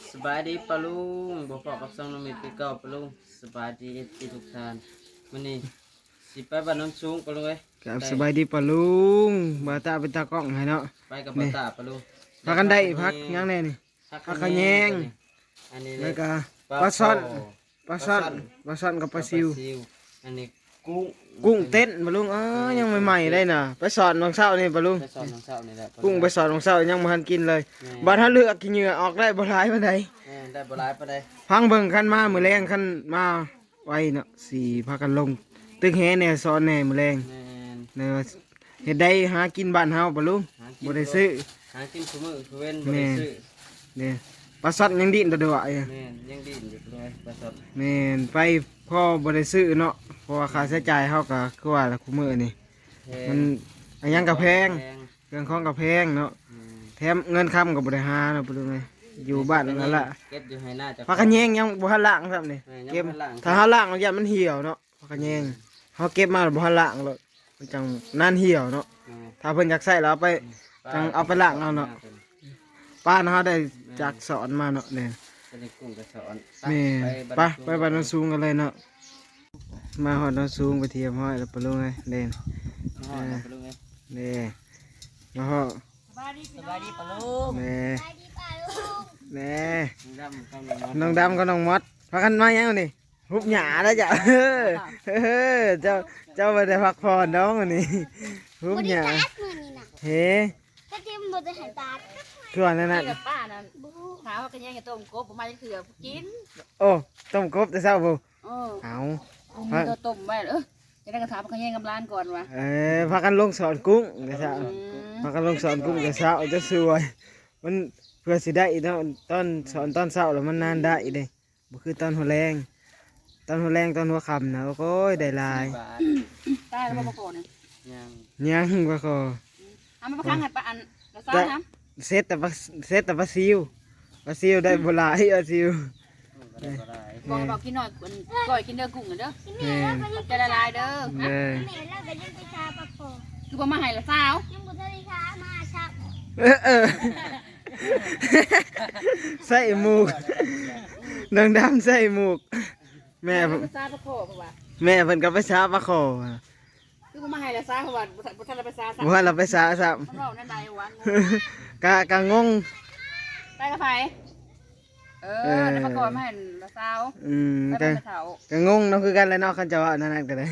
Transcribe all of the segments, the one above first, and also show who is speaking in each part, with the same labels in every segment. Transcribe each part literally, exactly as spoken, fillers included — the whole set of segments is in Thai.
Speaker 1: สบายดีปะลุงบอกพอกับซองน้องมีปีเก่าปะลุงสบายดีที่ทุกท่านมื้อนี้สิไปบ้านโน้นสูงปะลุงเอ้ย
Speaker 2: ครับสบายดีปะลุงบาตาเป็นตากล้องให้เนาะ
Speaker 1: ไปกับป้าตาปะลุง
Speaker 2: พักกันได้พักยังแน่นี่ พักขะแยง
Speaker 1: อันนี้
Speaker 2: แล้วก็ปลาซ่อนปลาซ่อนปลาซ่อนกับปลาซิว
Speaker 1: อันนี้กุ้ง
Speaker 2: กุ้งเต้นปะลุงเอ้ยยังใหม่ๆได้น่ะไปสอนบางเช้านี่ปะลุง
Speaker 1: ไปสอนน้องเช้านี่แหละ
Speaker 2: กุ้งไปสอนบางเช้ายังบ่ทันกินเลยบ่ถ้าเลือกกินเหงื่อออกได้บ่หลายปานใด
Speaker 1: แม่ได้บ่หลายปานใด
Speaker 2: พังเบิ่งคันมามื้อแรงคันมาไว้เนาะสิพากันลงตึกแหแน่สอนแน่มื้อแรง
Speaker 1: แม่น
Speaker 2: เนาะเฮ็ดได้หากินบ้านเฮาปะลุง
Speaker 1: หากิน
Speaker 2: บ่ได้ซื้อ
Speaker 1: หากินซุมื้อซุเว้นบ่ได้ซื้อ
Speaker 2: เนี่ยปลาซ่อนยังดิ้นตัวเดียวอ่ะ
Speaker 1: แม่นยังดิ้นอยู่ปะลุงเอ้ยปลาสด
Speaker 2: แม่นไปพ่อบริซื้อเนาะเพราะว่าค่าใช้จ่ายเขาก็คือว่าละคุมือนี่มันอันยังกับแพงเครื่องของกับแพงเนาะ
Speaker 1: อืม
Speaker 2: แถมเงินคำกับบริหารเนาะปดูไงอยู่บ้านนั่นแหละ
Speaker 1: เก็บอยู่ให้หน้าจะ
Speaker 2: พักกันแยงยังบ่ทันล้างครับนี่
Speaker 1: แม่ยัง
Speaker 2: เก็บ
Speaker 1: บ่ทันล้าง
Speaker 2: ถ้าเขาล้างแล้วยามันเหี่ยวเนาะพักกันแยงเขาเก็บมาแล้วบ่ทันล้างเลยมันจังนานเหี่ยวเนาะ
Speaker 1: อืม
Speaker 2: ถ้าเพิ่นอยากใส่แล้วเอาไป จังเอาไปล้างเอาเนาะ ป้าเนาะได้จากสอนมาเนาะเนี่ย
Speaker 1: จะได้กุ้งกระสอน
Speaker 2: แม่
Speaker 1: ไป
Speaker 2: ไปไปบ้านโนนสูงกันเลยเนาะมาหอดโนนสูงไปเทียมห้อยแล้วไปลงไงเด่น
Speaker 1: น้องไปลุงเอ้ย
Speaker 2: เด่มาหอด
Speaker 1: สบายดีปะลุง
Speaker 2: เด่เด่
Speaker 1: ดำกำลัง
Speaker 2: น้องดำกับน้องมดพักกันมายังนี่หุบหยาแล้วจ้ะเฮ้อเฮ้อเจ้าเจ้าไปได้พักผ่อนน้องอันนี้หุบหยา
Speaker 3: ตัดมือนี่นะ
Speaker 2: เฮ้
Speaker 3: ถ้าเตรียมบ่ได้ให้ตัด
Speaker 2: คือว่านั่นน่ะ
Speaker 4: กับป้านั่นถามว่ากันยังจะต้มกบผมมาจะเถื่อกิน
Speaker 2: โอ้ต้มกบแต่เช้าบุ
Speaker 4: เออ
Speaker 2: เอา
Speaker 4: ผมตัวต้มไว้เออจะได้กระถามกันยังกับร้านก่อนวะ
Speaker 2: เออพักกันลงสอนกุ้งแต่เช้า
Speaker 4: อืม
Speaker 2: พักกันลงสอนกุ้งแต่เช้าจะสวยมันเพื่อสิได้อีกเนาะตอนสอนตอนเช้าแล้วมันนานได้อีกเด้บ่คือตอนหัวแรงตอนหัวแรงตอนหัวค่ำนะโอ้ยได้หลาย
Speaker 1: บาท
Speaker 4: ได้แล้วมาก่อนเนี่ย
Speaker 1: ยัง
Speaker 2: ยังว่าก็
Speaker 4: เอามาประคังให้ป้าอันละซ่านะ
Speaker 2: เซตแต่ว่าเซตแต่ว่าซิวว่าซิวได้บ่หลายว่าซิว
Speaker 1: มันก็ได้บ่ได้
Speaker 4: บอกให้บอกกินหน่อยก่อยกินเด้อกุ้งเด้อ
Speaker 2: แม่
Speaker 4: จะละลายเด้อ
Speaker 2: เด้อ
Speaker 3: แม่เราก็ยังไปชาปะโค
Speaker 4: คือบ่มาให้ละสาว
Speaker 3: ยังบ่ได้ชามาชัก
Speaker 2: เออเออใส่หมูกนางดำใส่หมูกแม่ผม
Speaker 4: ละสาวตะโคเพราะว่า
Speaker 2: แม่เพิ่นก็ไปช้าปลาคอ
Speaker 4: คือบ่มาให้ละสาวเพราะว่าบ่ทันละไปซาซะ
Speaker 2: บ่ว่าเราไปช้าซ้ำ
Speaker 4: มันเว้านั่นใดวะ
Speaker 2: กะกะงง
Speaker 4: ได้กับไผเออแล้วมาก่อนมาให้ละสาว
Speaker 2: อืม
Speaker 4: ไป
Speaker 2: กะ
Speaker 4: เป็นเฒ่าก
Speaker 2: ะงงเนาะคือกันเลยเนาะคันจะว่านั่นนั่นก็ได้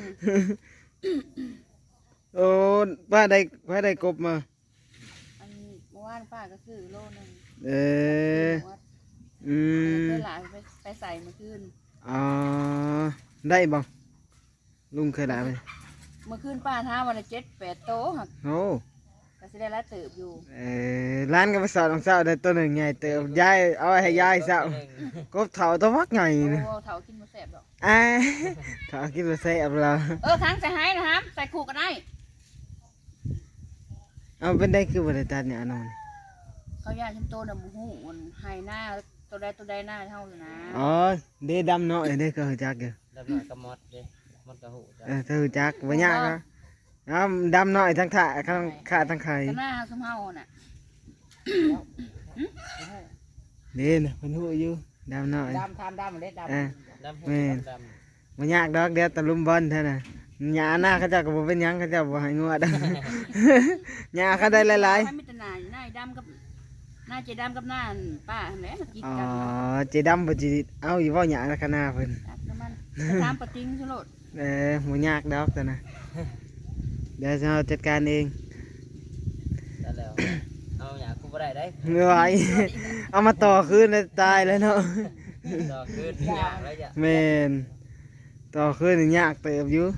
Speaker 2: โอ้ป้าได้ป้าได้กบมา
Speaker 4: อันเมื่อวานป้าก็ซื้อโลนึง
Speaker 2: เอออืม
Speaker 4: เพื่อหลานไปไปใส่เมื่อคืน
Speaker 2: อ๋อได้บ่ลุงเคยได้ไหม
Speaker 4: เมื่อคืนป้าท้าวันละเจ็ดแปดโต๊ะหัก
Speaker 2: โอ้
Speaker 4: ก็สิได้ละเติบอยู่
Speaker 2: เออร้านก็ไปสอนของเจ้าได้ตัวหนึ่งใหญ่เติบยายเอาไว้ให้ยายเจ้า กบเถาตัวมักใหญ่
Speaker 4: โอ้
Speaker 2: นะ
Speaker 4: เถากินมาแสบดอก
Speaker 2: อ่าเถากินมาใส่เอาเรา
Speaker 4: เออค้างใส่ให้นะครับใส่ขู่ก็ได้
Speaker 2: เอาเป็นได้คือบริษัทเนี่ยอนน
Speaker 4: เขาย่างชิมโตดำหูมันไฮหน้าตัวใดตัวใดหน้าเท่าอยู่นะ
Speaker 2: อ๋อเดดำเนาะเด้ก็หูจักอยู่
Speaker 1: ดำหน่อยก็มดเด้มดก็หูจ้ะ
Speaker 2: เออเธอหูจักบ่ยากเนาะเอาดำหน่อยทั้งขาทั้งขาทั้งไข่
Speaker 4: ก็หน้าสมเฮาน่ะ
Speaker 2: เด้น่ะเพิ่นหูอยู่ดำหน่อย
Speaker 4: ดำทานดำเล็ดดำ
Speaker 2: เออ
Speaker 1: ดำหู
Speaker 2: แม่น
Speaker 1: ดำ
Speaker 2: บ่ยากดอกเดี๋ยวตะลุมบอลเท่าน่ะหญ้าหน้าเขาเจ้าก็บ่เป็นหยังเขาเจ้าบ่ให้งัวดำ หญ้าเขาได้หลาย
Speaker 4: ไม่มีแต่หน้าหน้าดำกับหน้าเจดำกับหน้าป้าแหละกิน
Speaker 2: ๆอ๋อ
Speaker 4: กัน
Speaker 2: เจดำบ่สิเอาอยู่เว้าหญ้าละคณะเพิ่น
Speaker 4: ตักน้ำมันตามปะติ้งสุโลด
Speaker 2: เออบ่ยากดอกแต่นะเดี๋ยวเราจัดการเอง
Speaker 1: ได้แล้วเอาหยากูบ่ได้ได้
Speaker 2: เหนื่อยเอามาต่อคืนเลยตายแล้วเนาะ
Speaker 1: ดอกขึ้นหยาแล้วจ้ะ
Speaker 2: แมนต่อคืนนี่ยากเติบอยู่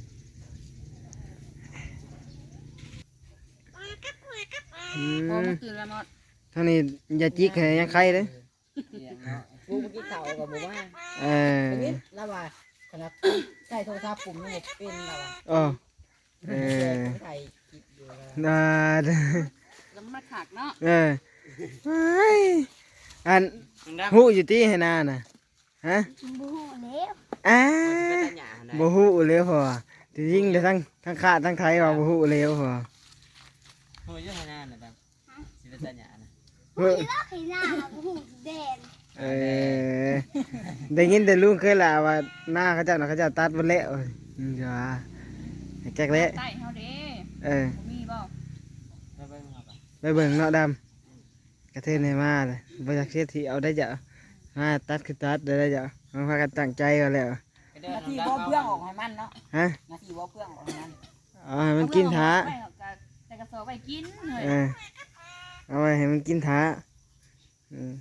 Speaker 2: อื
Speaker 4: พอ
Speaker 2: ม
Speaker 4: เมื่อคืนละมด
Speaker 2: ท่านี้อย่าจิกให้ยังใครเลย
Speaker 1: เสียงเนาะ
Speaker 5: กูเมื่อกี้เข่ากับบอกว่า
Speaker 2: เออ
Speaker 5: ชีวิตแล้วว่าขนาดใช้โทรศัพท์ปุ่มนี่เป็นแล้วว่า
Speaker 2: อ๋อเออ
Speaker 5: ใช้คลิปอยู่แล้ว
Speaker 2: น่า
Speaker 4: แล้วมันมาขากเนาะ
Speaker 2: เออเฮ้ยอัน
Speaker 1: ดำ
Speaker 2: หูอยู่ที่ให้นาน่ะฮะ
Speaker 3: บ่ฮู้แล้ว
Speaker 2: อ้า
Speaker 1: มันสิเป็นตาหยาไหน
Speaker 2: บ่ฮู้เลยพอที่ยิ่งแต่ทั้งทั้งขาดทั้งไทยว่าบ่ฮู้เลยพอ
Speaker 1: หูอยู่ให้หน้าน่ะดำสิเป็นตาหยานะ
Speaker 2: เฮ้ย
Speaker 3: แล้วให้หน้าบ่ฮู้แดด
Speaker 2: เออได้ยินแต่ลุงเคยล่ะว่าหน้าเขาเจ้าน่ะเขาเจ้าตัดบ่แล้วอืมจ้าให้แก๊กเละ
Speaker 4: ใต้เฮาเด้
Speaker 2: เออ
Speaker 4: บ่มีบ่
Speaker 1: ไปเบิ่งเอาไป
Speaker 2: ไปเบิ่งเนาะดำกระเทยในมาเลยบ่อยากเสียทีเอาได้จ้ะมาตัดคือตัดได้ได้จ้ะมันพากันตั้งใจกันแล้ว
Speaker 1: ไปเด้อ
Speaker 5: นาที
Speaker 1: น้อง
Speaker 5: บ่
Speaker 1: ดำ
Speaker 5: เพื่องออกให้มันเนาะ
Speaker 2: ฮะ
Speaker 5: นาทีบ่เพื่องออกให้มัน
Speaker 2: เอาให้มันกินท้า
Speaker 4: ไม่หรอกก็แต่กระสอบไปกินเฮ้ย
Speaker 2: เออเอาไว้ให้มันกินท้าอืม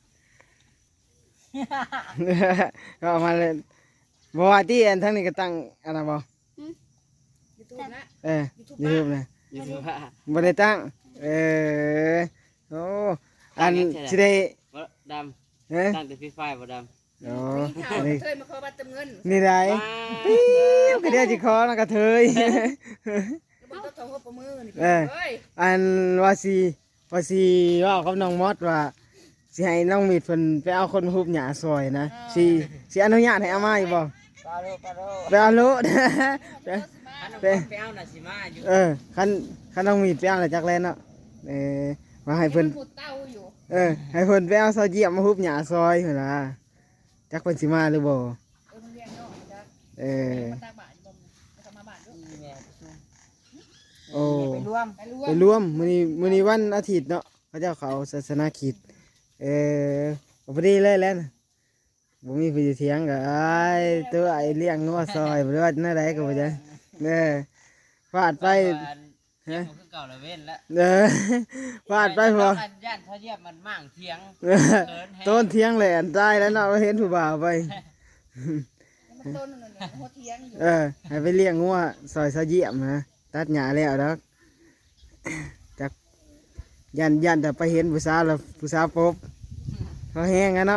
Speaker 2: ก็เอามาเลยบอกว่าที่อันทั้งนี้ก็ตั้งอันนั้นบ่
Speaker 5: ยูทูบนะ
Speaker 2: เออยูทูบนะ
Speaker 1: อยู่ที่ว่า
Speaker 2: บ่ได้ตั้งเออโอ้อันสิได้
Speaker 1: บ่ด
Speaker 2: เอ้ย
Speaker 1: ำตั้งแต่ฟรีไฟบ่ดำ
Speaker 2: โอ้
Speaker 5: มีข่าว
Speaker 2: นี่
Speaker 5: เคยมาขอบัตรเติมเงิน
Speaker 2: นี่ได้
Speaker 1: ว้า
Speaker 2: ปิ๊บก็เดี๋ยวสิขอแล้วก็เทย
Speaker 5: ก็บอกต้องหัวประมือนี่
Speaker 2: เออ
Speaker 5: เฮ้ย
Speaker 2: อันว่าสิว่าสิเว่ากับน้องมอดว่าสิให้น้องมีดเพิ่นไปเอาคนมาฮุบหญ้าซอยนะสิสิอนุญาตให้เอามาอยู่บ่
Speaker 5: ปลาโลปลาโล
Speaker 2: ไปเอาโลด ไป
Speaker 1: คันน้อง
Speaker 2: ไป
Speaker 1: มดไปเอาน่ะสิมาอยู่
Speaker 2: เออคันคันน้องมีดไปเอาแล้วจักแลนเนาะเออว่าให้เพิ่น
Speaker 5: พูดเต้าอยู่
Speaker 2: เออให้เพิ่นไปเอาเสาเยี่ยมมาฮุบหญ้าซอยเพิ่นล่ะจักเพิ่นสิมาหรือบ่
Speaker 5: เออมันเรียนเนาะจ้ะ
Speaker 2: เออ
Speaker 5: มันตาบาดบ่มันจะมาบาดด้วย
Speaker 1: อีแม่ไปซุ่ม
Speaker 2: โอ้
Speaker 5: ไปรวมไปรว
Speaker 2: ไป
Speaker 5: ม
Speaker 2: รวมมื้อนี้มื้อนี้วันอาทิตย์เนาะเขาเจ้าเขาศาสนาคริสต์เออก็พอดีเลยแหล้วบ่มีผู้อยู่เถียงก็อ้ายตัวไอ้เลี้ยงงัวซอยบ่ได้ว่าแนวใดก็บ่จังเด้อฟาดไป
Speaker 1: เถียงบ่คือเก่าละเว้นแล้ว
Speaker 2: เด้อฟาดไปพอ
Speaker 1: อันย่านเขาเรียกมันมั่างเถียง
Speaker 2: เออต้นเถียงแหลนตายแล้วเนาะเห็นผู้บ่าวไป
Speaker 5: มันต้นนั่นน่ะหัวเทียงอยู่
Speaker 2: เออให้ไปเลี้ยงงัวซอยเสาเยี่ยมนะตัดหญ้าแล้วดอกจักยันยันแต่ไปเห็นผู้สาวแล้วผู้สาวปบเขาแห้งกันเนาะ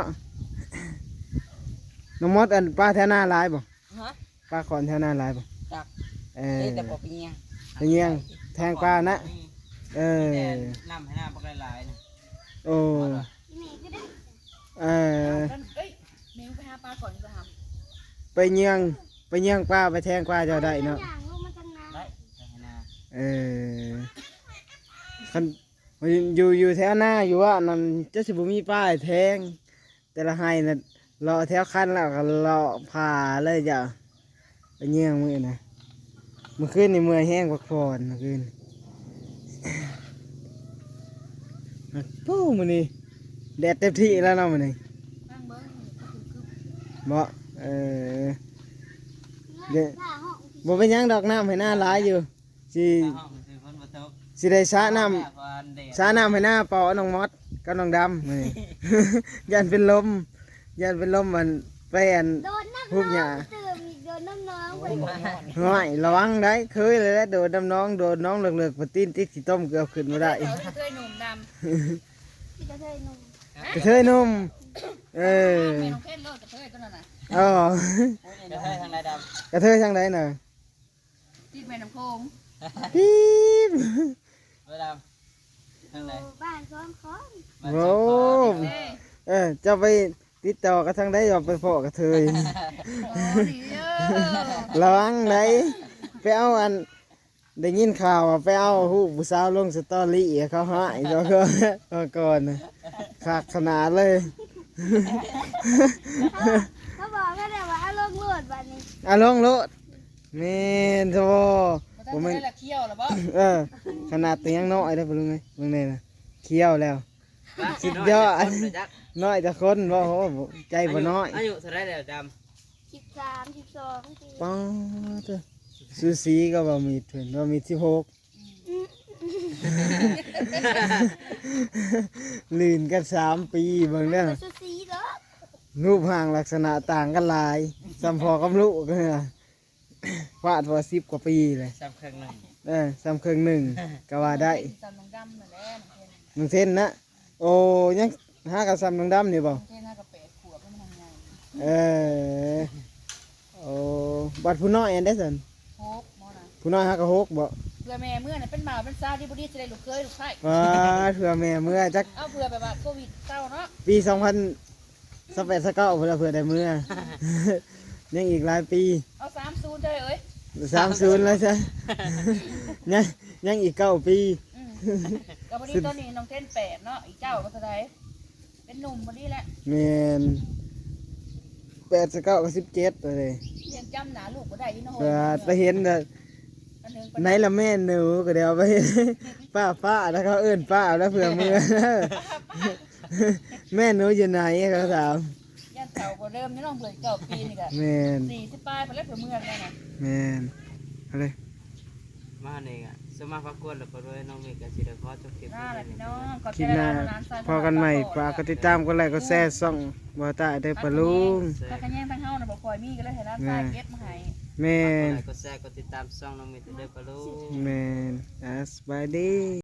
Speaker 2: น้องมดอันป้าแถวหน้าหลายบ่
Speaker 5: ฮะ
Speaker 2: ป้าขอนแถวหน้าหลายบ่
Speaker 5: จัก
Speaker 2: เออ
Speaker 5: เอ้ยแต่บ่เป็นหยัง
Speaker 2: ไปเงี้ยงแทงป้านะเออ
Speaker 1: แต่น้ำให้หน้าบักหลายๆนะ
Speaker 2: โอ้
Speaker 3: แม่ก็ได้
Speaker 2: เออ
Speaker 5: นั่นเอ้ยเมย์ไปหาปลาก่อนก็หา
Speaker 2: ไปเงี้ยงไปเงี้ยงป้าไปแทงป้าเจ้าได้เนาะ
Speaker 3: อย่างลงมาทางน้
Speaker 1: ได้แต่ให้หน้า
Speaker 2: เออคันอยู่อยู่แถวหน้าอยู่ว่านั่นจะสิบุมีป้ายแทง แต่ละไห้น่ะรอแถวคันแล้วก็รอผ่าเลยจ้ะไปเงี้ยงมือนะเมื่อคืนนี่เมื่อยแห้งพักผ่อนเมื่อคืนปู้มันนี่แดดเต็มที่แล้วเนาะมันนี่
Speaker 5: นั่งเบิ่งก็คือคือ
Speaker 2: บ่เออ
Speaker 3: ำ
Speaker 2: เดี๋ยว
Speaker 3: ผ้าห้อง
Speaker 2: บ่เป็นหยังดอกน้ำให้หน้าหลายอยู่สิ
Speaker 1: ห้องคือฝนบ่ตก
Speaker 2: สิได้สระน้
Speaker 1: แม่ก่อนเด็ก
Speaker 2: ำสระน้ำให้หน้าเป่าน้องมอดกับน้องดำมื้อนี้ ยันเป็นลมยันเป็นลมมันไปอัน
Speaker 3: โดนน้ำ
Speaker 2: ฮุบหญ้า
Speaker 3: ตื่นอีกโดนน้ำน้องไป
Speaker 2: ห้อยระวังได้เคยเลยแหละโดดน้ำน้องโดดน้องเหลือกๆปะตีนติดสิต้มเกือบขึ้นมาได้
Speaker 5: เขาเคยหนุ่มดำ
Speaker 3: ที่กระเทยหนุ่ม
Speaker 2: กระเทยหนุ่มเออ
Speaker 5: แม่น้องเพชรเลิกกับเธอตัวนั้นน่ะ
Speaker 2: อ๋อ
Speaker 1: จะให้ทางใดด
Speaker 2: กระเทยทางไหนน่ะ
Speaker 5: ที่แม่น้ำโขง
Speaker 2: ปี๊บ
Speaker 1: ำเวลาทางไหน
Speaker 3: บ้านซ้อนค้อน
Speaker 1: บ้าน
Speaker 2: โอ้
Speaker 1: สองคน
Speaker 5: เอ้ย
Speaker 2: เออเจะไปติดต่อกับทางใดอย่าไปพอกระเทย
Speaker 5: โอ้ดีเด้อ
Speaker 2: ระวังไหนไปเอาอันได้ยินข่าวว่าไปเอาหูปผู้สาวลงสตอรี่เขาหายเขาก็เอาก่อนน่ะขาดขนาดเลย
Speaker 3: เขาบอกแค่แต่ว่าเอาลงโลดบัดนี้
Speaker 2: อ่ะลงโลดเมนโซ
Speaker 5: บ่
Speaker 2: ผม
Speaker 5: ได้
Speaker 2: มัน
Speaker 5: ละเคี้ยวล่ะบ่
Speaker 2: เออขนาดตัวยังน้อยได้ปะลุงไงลุงเนี่ยนะเคี้ยวแล้ว สุดยอด
Speaker 1: คนเลยจัก
Speaker 2: น้อยแต่คนบ่โหใจบ่น้อย
Speaker 1: อายุเท่าไรแล้วด
Speaker 3: สิบสามสิบสองสิ
Speaker 2: ป้าเถอะซูซีก็บ่มีถึงบ่มีสิบหกลื่นกันสามปีเบิ่งเด้อ
Speaker 3: สุสีเหรอ
Speaker 2: รูปร่างลักษณะต่างกันหลายสัมพอกับลูกก็เนี่ยฟาดว่าสิบกว่าปีเลย
Speaker 1: ำสามครั้งหนึ่ง
Speaker 2: เออสามครึ่งหนึ่งก็ว่าได้
Speaker 5: ตอนน้องดำนั่นแหละน้องเพชร
Speaker 2: หนึ่งเส้นนะโอ้ยังห้ากับซ้ำน้องดำนี่บ่
Speaker 5: น้องเพชรน่าก็แปดขวบแล้วมันทำงาน
Speaker 2: เออโอ้บัดผู้น้อยอันได้สัน
Speaker 5: โฮกหมอน่ะ
Speaker 2: ผู้น้อยห้ากับหกบ่
Speaker 5: เพื่อแม่เมื่อน่ะเป็นหมาเป็นซาที่บ่ดีสิได้ลูกเคยลูกไผ่
Speaker 2: ว่าเผื่อแม่เมื่อจัก
Speaker 5: เอาเพื่อแบบว่าโควิดเศร้าเนาะ
Speaker 2: ปีสองพันสิบแปดสิบเก้าเผื่อเผื่อได้เมื่อ ยังอีกหลายปี
Speaker 5: เอาสามศูนย์ได้เอ้ย
Speaker 2: สามศูนย์แล้วใช่ ยังยังอีกเก้าปี
Speaker 5: อืมกับวันนี้ตอนนี้น้องเต้นแปดเนาะอีกเจ้าก็เท่าไหร่เป็น
Speaker 4: เป็นหนุ่มบ่ดีแหละ
Speaker 2: แม่นแปดสิบเก้ากับสิบเจ็ดเลย
Speaker 4: ยังจำหน้าลูกบ่ได้อีน้อย
Speaker 2: เปิดไปเห็นน่ะ
Speaker 4: อันหนึง
Speaker 2: ไหนละแม่หนูก็เดี๋ยวไป ป้าป้าแล้วเขาเอิ้นป้าแล้วเผื่อมือ แม่หนูอยู่ไหนเขาถาม
Speaker 4: ย่านเก่าก็เริ่มนี่น้องเปิดเก้าปีนี่ก็
Speaker 2: แม่น
Speaker 4: สี่สิบปลายไปแล้วเผื่อเมืองแล้วน่ะ
Speaker 2: แม่นอะไร
Speaker 1: มาเนี่ยอ่ะสมาพักกวนแล้วก็ด้วยน้องเมฆกับสิเดขอจบคลิป
Speaker 4: น่า
Speaker 1: ไว้
Speaker 4: แหละ
Speaker 1: เลย
Speaker 4: พี่
Speaker 1: นะ
Speaker 4: น้องขอบ
Speaker 2: ค
Speaker 4: ใจ
Speaker 2: ลิป
Speaker 4: ห
Speaker 2: หน้า
Speaker 4: ลายๆร้านซอย
Speaker 2: พอกันใหม่ฝากกดติดตามกดไลค์กดแชร์ส่องบ่าวตาได้ปะลุง
Speaker 4: ถ้ากันแย่งทั้งเฮาน่ะบ่ค่อยมีก็เลยให้ร้านทรายเก็บมาให้
Speaker 2: แม่
Speaker 1: ฝากกด
Speaker 2: น
Speaker 1: ไลค์กดแชร์กดติดตามช่องน้องเมฆเด้อปะลุง
Speaker 2: แม่นอ่ะสบายดี